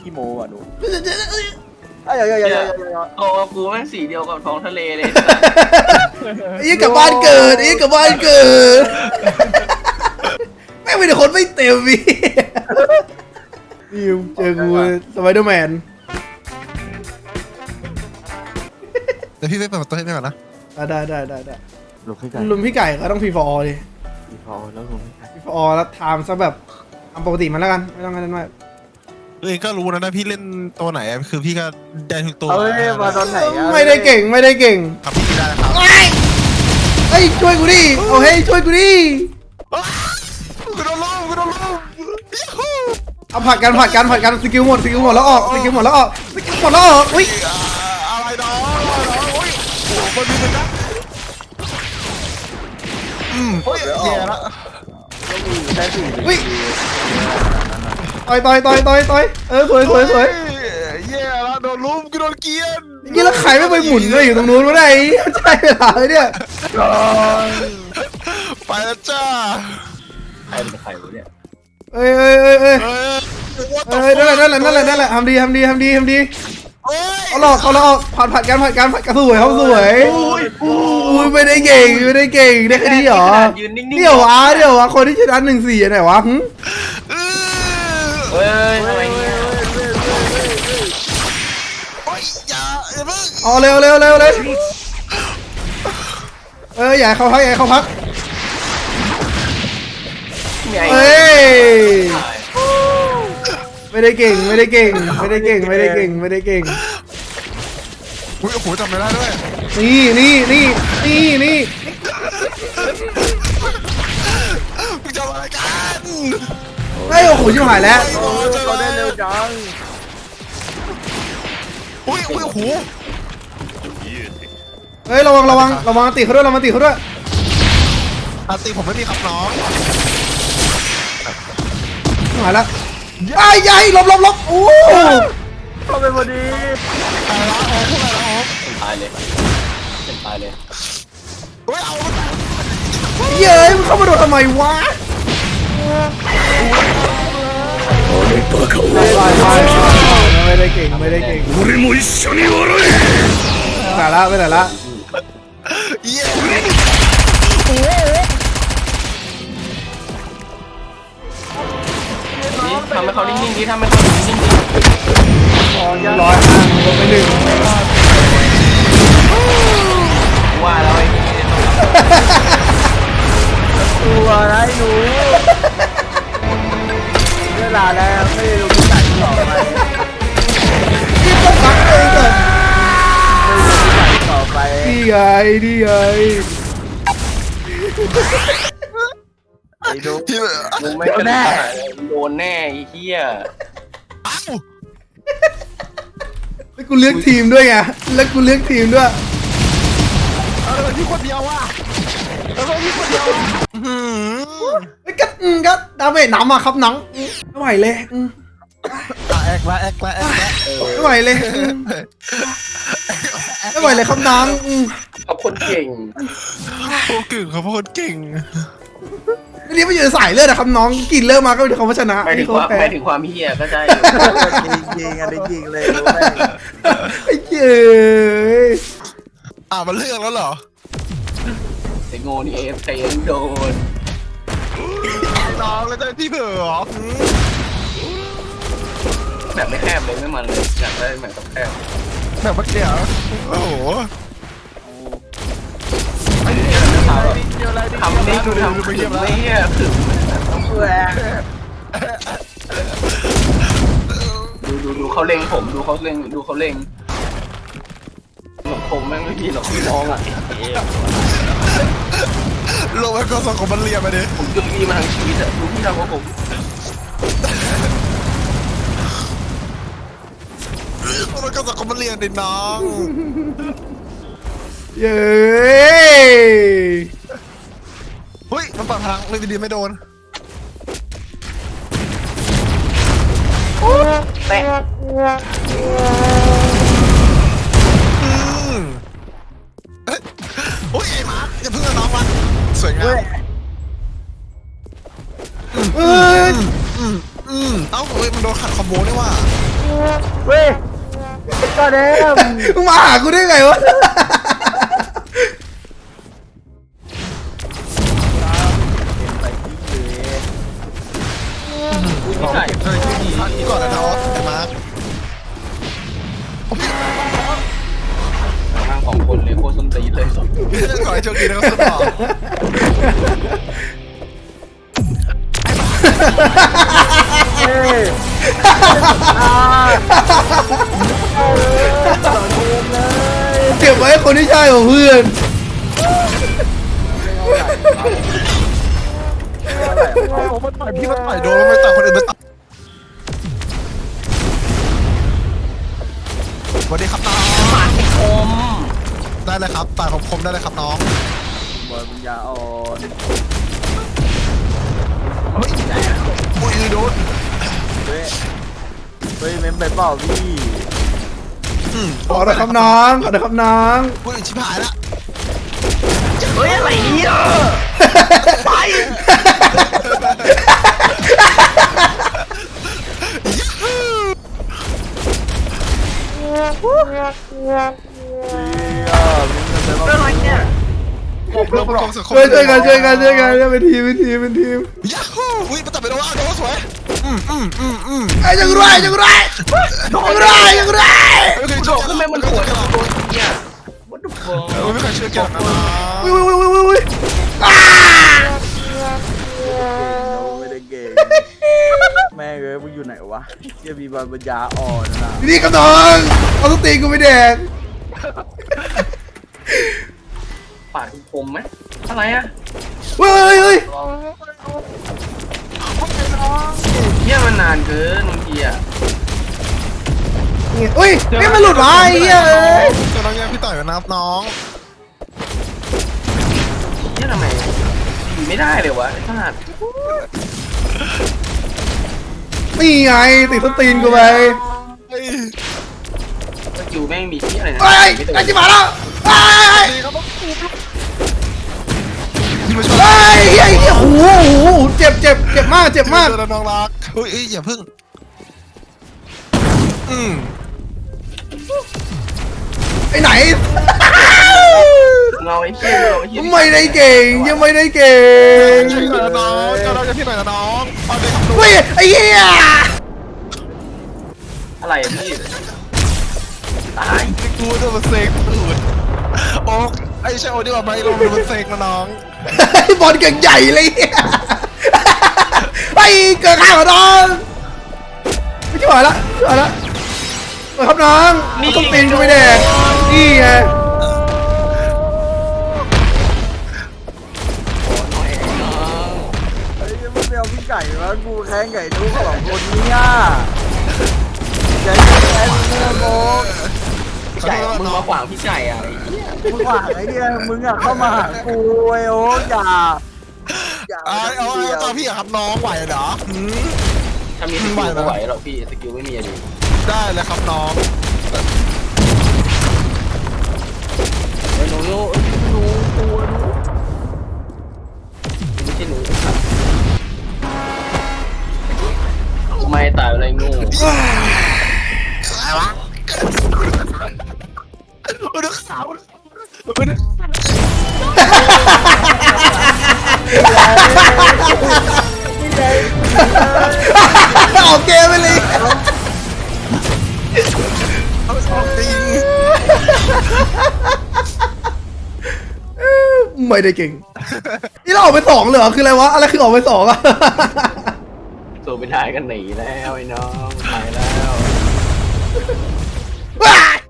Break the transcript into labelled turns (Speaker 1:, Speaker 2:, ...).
Speaker 1: ขี้โม้อ่ะหนู
Speaker 2: เอ้ย
Speaker 3: โอ้กูแม่งสีเดียวกับท้องทะเลเลย
Speaker 4: ยี่กับบ้านเกิดยี่กับบ้านเกิดแม่งเป็นคนไม่เต็มพี่นี่เจอกูสไปเดอร์แมน
Speaker 5: เดี๋ยวพี่ไปเปิดประตูให้พี่ก่อนนะ
Speaker 4: ได้
Speaker 1: หลบให้ไกล
Speaker 4: ลุมพี่ไก่ก็ต้องพีฟอร์ดิ
Speaker 1: อีพอแล้วหลบให้ไกล
Speaker 4: พีฟอร์แล้วไทม์ซะแบบทำปกติมันแล้วกันไม่ต้องกันมาก
Speaker 5: ตัวเองก็รู้นะพี่เล่นตัวไหนคือพี่ก็ได้ทุกตัว
Speaker 1: เอ้ยมาตอนไหนอ่ะ
Speaker 4: ไม่ได้เก่ง
Speaker 5: ครับพี่ได้นะครับ
Speaker 4: เฮ้ยช่วยกูดิโอ้เฮ้ยช่วยกูดิ
Speaker 5: กูโดนล้ม
Speaker 4: เอาผัดกันสกิลหมดแล้วออกอุ้ย
Speaker 5: อะไรน้องอุ้ยโอ้มันมีมันนะเฮ้ยแย่ละ
Speaker 1: ได้สี่
Speaker 4: อุ้ยต่อยสวย
Speaker 5: แย่ละโดนล้มกูโดนเกียน
Speaker 4: ยี่แล้วใครไม่ไปหมุนเลยอยู่ตรงนู้นวะเนี่ยใช่เวลาเลยเนี่ย
Speaker 5: ไปแล้วจ้า
Speaker 3: ใครเป็นใครวะเนี่ย
Speaker 4: เอ้ยนั่นแหละทำดีเอาหลอกผัดกันสวยเขาสวยอุ้ยไม่ได้เก่งได้แค่นี้เหรอ
Speaker 3: ยืนนิ่งๆ
Speaker 4: เดี๋ยววะคนที่ชนะ1-4ไหนวะ
Speaker 3: เฮ้ยทำไมเนี่ย
Speaker 5: โอ้ยอย่าเพิ่ง
Speaker 4: เอาเร็วอย่าเข้าพัก เฮ้ยไม่ได้เก่ง
Speaker 5: อุ้ยโอ้โหจำไม่ได้ด้วย
Speaker 4: นี่
Speaker 5: มึงจะอะไรกัน
Speaker 4: เฮ้ยโอ้โหชิบหายแล้ว
Speaker 1: เขาได้เร็วจัง
Speaker 5: อุ้ยโอ้โห
Speaker 4: เฮ้ยระวังตีเขาด้วย
Speaker 5: อาตีผมไม่มีครับน้อง
Speaker 4: ชิบหายแล้วไอ้ยัยหลบโอ้
Speaker 1: เขาเป็นพอดี
Speaker 5: อะไรละโอ้พวกอะไรละโอ้
Speaker 3: ตายเลย
Speaker 5: เฮ้ยเอา
Speaker 4: เย้ยมันเข้ามาโดนทำไมวะไม่ได้เก่งไม่ได้ละ
Speaker 5: เย้
Speaker 3: นี่ทำให้เขานิ่งๆดิทำให้เขานิ่งๆดิ
Speaker 4: 105ลงไป1
Speaker 3: ว่าแล้วไอ้นี่
Speaker 1: ตัวอะไรหนูเวลาแล้วไม่ได้รู้จักต่อไป
Speaker 4: นี่ต้องพักเองก่อน
Speaker 1: ต่อไป
Speaker 4: นี่ไง
Speaker 1: ไอ้ดู
Speaker 5: ที่
Speaker 3: มึงไม่กระโดดโดนแน่ไอ้เหี้ย
Speaker 5: อ้าว
Speaker 4: แล้วกูเลือกทีมด้วยไงแล้วกูเลือกทีมด้วย
Speaker 5: แล้วมันที่คนเดียวว่ะแล้วมันที่คนเดียว
Speaker 4: ไอ้ก็ดาเมจหนำอะครับหนังไม่ไหวเลย
Speaker 5: แอกละ
Speaker 4: ไม่ไหวเลยครับหนัง
Speaker 3: เขาคนเก่ง
Speaker 5: พวกกึ่งเขาพวกคนเก่ง
Speaker 4: นี่ไม่อยู่ในสายเลือดอะครับน้องกินเริ่มมาก็เป็นคำว่าชนะ
Speaker 3: ไม่ถึงความเหี้ยก็ใช่
Speaker 1: จริงอันนี้จริงเลยรู้ไหม
Speaker 4: ไอ้เจ้ย
Speaker 5: มันเลือกแล้วเหรอ
Speaker 3: ไอ้โง่นี่เอฟโดน
Speaker 5: น้องแล้วจะพี่เผือเหรอ
Speaker 3: แบบไม่แคบเลยไม่มันเลยอยากได้แบบต้องแคบ
Speaker 5: แบบเมื่อกี้เหรอโอ้โห
Speaker 3: ทำนี่ดูทำถึงไม่เหี้ยถึงดูเขาเล็งผมดูเขาเล็งผมแม่งไม่มีหรอกพี่น้องอ่ะ
Speaker 5: โลกมันก็ส่งของมันเรียนมาดิ
Speaker 3: ผมจุดมีมาทางชีวิตอ่ะดูพี่ทำกับผม
Speaker 5: มันก็ส่งของมันเรียนดิน้อง
Speaker 4: เย้
Speaker 5: เฮ้ยมันปัดพลังเลยดีๆไม่โดน
Speaker 3: แตะ
Speaker 5: โอ้ยไอ้มาร์คอย่าเพิ่งเอาน้องมันสวยงาม
Speaker 4: เอ้ย
Speaker 5: เอ้าเฮ้ยมันโดนขัดคอมโบได้ว่ะ
Speaker 4: โอ้
Speaker 1: เว้ยก็เด้ม
Speaker 4: มึงมาหากูได้ไงวะ
Speaker 1: ไปที่เลย
Speaker 3: ไม่ใช่
Speaker 5: เฮ้ยที่ก่อนนะน้องไอ้มาร์ค
Speaker 3: ทางของคนเลยโคตรส้นตีนเลย
Speaker 5: ขอให้โชคดีนะครับสุดหล่อ
Speaker 1: เฮ้ยต่อเกมเลย
Speaker 4: เก็บไว้ให้คนที่ใช่ของเพื่อน
Speaker 5: มันต่อยพี่มันต่อยโดนมันต่อยคนอื่นมันต่อยสวัสดีครับน้อง
Speaker 3: ปากคม
Speaker 5: ได้เลยครับต่อยคมได้เลยครับน้อง
Speaker 1: บอยปัญญาอ่อน
Speaker 5: เฮ้ยอุ้ยโดน
Speaker 1: เฮ้ยเฮ้ยเมมไปเปล่าพี่
Speaker 4: ขอหน่อยครับน้องขอหน่อยครับน้อง
Speaker 5: อุ้ยชิบหายละ
Speaker 3: เฮ้ยอะไรเนี่ยไปอะไรเนี่ย
Speaker 5: เรื่องประกอบสังคม
Speaker 4: ช่วยกันเป็นทีมเป็นทีม
Speaker 5: ยาฮูอุ้ยมันต่อยไปโดนว่าโดนสวย
Speaker 4: ไอ้ยังไรยังไร
Speaker 5: ไม่เคย
Speaker 3: โด
Speaker 5: เชื่อ
Speaker 3: ดขึ้นไปมันสวยโดนเนี่ย what the fuck
Speaker 5: ไม่เคยเชื่อแกนะ
Speaker 4: อุ้ย
Speaker 1: ไม่ได้เก่งแม่เอ้ยมึงอยู่ไหนวะเชี่ยมีบอยปัญญาอ่อนนะ
Speaker 4: นี่ครับน้องเอาสตีกูไปแดก
Speaker 3: ปากคมไหมอะไรอ่ะ
Speaker 4: เฮ้ย
Speaker 3: เนี่ยมันนานเกินบางทีอ่ะ
Speaker 4: อุ้ยนี่มันหลุดวะไอ้เหี้ย
Speaker 5: จะน้องแย่พี่ต่อยกันนะครับน้อง
Speaker 3: เนี่ยทำไมอยู่ไม่ได้เลยวะไอ้ขนาด
Speaker 4: นี่ไงติดสตีนกูไป
Speaker 3: สกิลแม่งมีที่อะไรนะ
Speaker 4: เฮ้ยไอ้จิ๋มาแล้วเฮ้ย
Speaker 5: ที่มาช่วย
Speaker 4: เฮ้ยเหี้ยโอ้โหเจ็บมาก
Speaker 5: น้องรักอุ้ยอย่าพึ่ง
Speaker 4: ไปไหน
Speaker 3: เราไอ้เชี่ยเราไอ้เชี่ย
Speaker 4: ไม่ได้เก่งยังไม่ได้เก่ง
Speaker 5: ช่วยหน่อยนะน้องจะเราจะที่ไหนนะน้องเอาเลยครับ
Speaker 4: เฮ้ยไอ้เหี้ย
Speaker 3: อะไรอะพี่ตาย
Speaker 5: กูจะมาเซ็งตูดโอ๊กไอ้ใช่โอ้ดีกว่าไหมเราดูมันเซ็งนะน้อง
Speaker 4: บอลเก่งใหญ่เลยไอ้เกิดข้าวน้องไม่ช่วยละครับน้องต้องตีนกูไม่แดกนี่ไง
Speaker 1: เฮ้ยมึงไปเอาพี่ไก่มากูแข่งไก่ทุกสองคนเนี่ยใจแข็งเนื้อโบก
Speaker 3: ไก่มึงมาขวางพี่ไก่อะไอ้เหี้ย
Speaker 1: มึงหวังไอ้เนี่ยมึงอะเข้ามาหากูไอ้โอ๊คอย่า
Speaker 5: เอาตาพี่อะครับน้องไหวเหรอ
Speaker 3: ถ้ามีสกิลไม่ไหวหรอกพี่สกิลไม่มีอะไร
Speaker 5: ได้เลยครับน้อง
Speaker 3: ไอ้หนูหนูตัวหนูไม่ใช่หนูครับไม่ตายอะไรงู
Speaker 5: อะไรวะดูขาวดู
Speaker 4: ออกเกมไปเลย
Speaker 5: จริง
Speaker 4: ไม่ได้เก่งนี่เราออกไป2เหรอคืออะไรวะอะไรคือออกไป2อะ
Speaker 3: ตัวไปถ่ายกันหนีแล้วไอ้น้องถ่ายแล้ว
Speaker 4: ว้าย